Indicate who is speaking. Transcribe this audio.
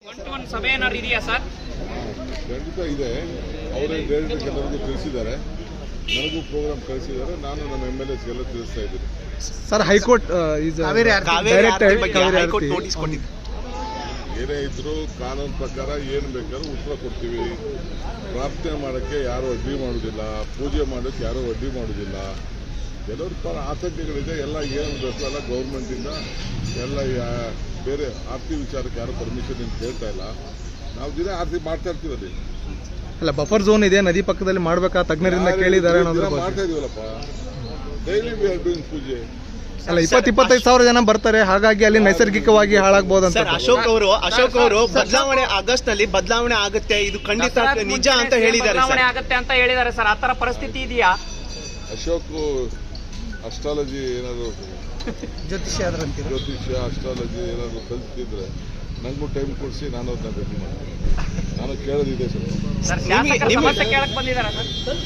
Speaker 1: 1-to-1 ಸಭೆ ಏನಾದ್ರು ಇದೆಯಾ ಸರ್?
Speaker 2: ಖಂಡಿತ ಇದೆ. ಅವರೇ ಡೈರೆಕ್ಟ್ ಎಲ್ಲರಿಗೂ ತಿಳಿಸಿದ್ದಾರೆ, ನನಗೂ ಪ್ರೋಗ್ರಾಮ್ ಕಳಿಸಿದ್ದಾರೆ. ನಾನು ನಮ್ಮ MLAs ಎಲ್ಲ ತಿಳಿಸ್ತಾ ಇದ್ದೀನಿ.
Speaker 3: ಸರ್, ಹೈಕೋರ್ಟ್
Speaker 2: ಏನೇ ಇದ್ರು ಕಾನೂನು ಪ್ರಕಾರ ಏನು ಬೇಕಾದ್ರೂ ಉತ್ತರ ಕೊಡ್ತೀವಿ. ಪ್ರಾರ್ಥನೆ ಮಾಡೋಕ್ಕೆ ಯಾರೂ ಅಡ್ಡಿ ಮಾಡೋದಿಲ್ಲ, ಪೂಜೆ ಮಾಡೋಕ್ಕೆ ಯಾರೂ ಅಡ್ಡಿ ಮಾಡೋದಿಲ್ಲ. ಕೆಲವ್ರ ಪರ ಆತಂಕಗಳಿದೆ. ಎಲ್ಲ ಏನು ಬೇಕು ಎಲ್ಲ ಗೌರ್ಮೆಂಟಿಂದ ಎಲ್ಲ ಬೇರೆ ಆರ್ತಿ ವಿಚಾರಕ್ಕೆ ಯಾರು ಪರ್ಮಿಷನ್ ಅಂತ ಕೇಳ್ತಾ ಇಲ್ಲ. ನಾವು ದಿನ ಆರ್ತಿ ಮಾಡ್ತಾ ಇರ್ತೀವಿ. ಅಲ್ಲಿ
Speaker 3: ಅಲ್ಲ, ಬಫರ್ ಝೋನ್ ಇದೆ, ನದಿ ಪಕ್ಕದಲ್ಲಿ ಮಾಡ್ಬೇಕಾ ತಜ್ಞರಿಂದ ಕೇಳಿದ್ದಾರೆ
Speaker 2: ಮಾಡ್ತಾ ಇದೀವಲ್ಲಪ್ಪ. ಡೈಲಿ ವಿ ಆರ್ ಡೂಯಿಂಗ್ ಪೂಜೆ.
Speaker 3: ಅಲ್ಲ, 20-25 ಸಾವಿರ ಜನ ಬರ್ತಾರೆ, ಹಾಗಾಗಿ ಅಲ್ಲಿ ನೈಸರ್ಗಿಕವಾಗಿ ಹಾಳಾಗಬಹುದಂತ.
Speaker 4: ಅಶೋಕ್ ಅವರು ಬದಲಾವಣೆ ಆಗಸ್ಟ್ ನಲ್ಲಿ ಬದಲಾವಣೆ ಆಗುತ್ತೆ, ಇದು ಖಂಡಿತ ನಿಜ ಅಂತ ಹೇಳಿದ್ದಾರೆ.
Speaker 1: ಬದಲಾವಣೆ ಆಗುತ್ತೆ ಅಂತ ಹೇಳಿದ್ದಾರೆ ಸರ್. ಆತರ ಪರಿಸ್ಥಿತಿ ಇದೆಯಾ?
Speaker 2: ಅಶೋಕ್ ಅಸ್ಟ್ರಾಲಜಿ ಏನಾದ್ರು ಜ್ಯೋತಿಷ್ಯ ಅಸ್ಟ್ರಾಲಜಿ ಏನಾದ್ರು ಕಲಿತಿದ್ರೆ ನನಗೂ ಟೈಮ್ ಕೊಡಿಸಿ, ನಾನು ಅದನ್ನ ಭೇಟಿ ಮಾಡ್ತೀನಿ. ನಾನು ಕೇಳೋದಿದೆ
Speaker 1: ಸರ್. ಶಾಸಕರ ಸಮಸ್ಯೆ ಕೇಳಕ್ ಬಂದಿದ್ದಾರೆ ಸರ್.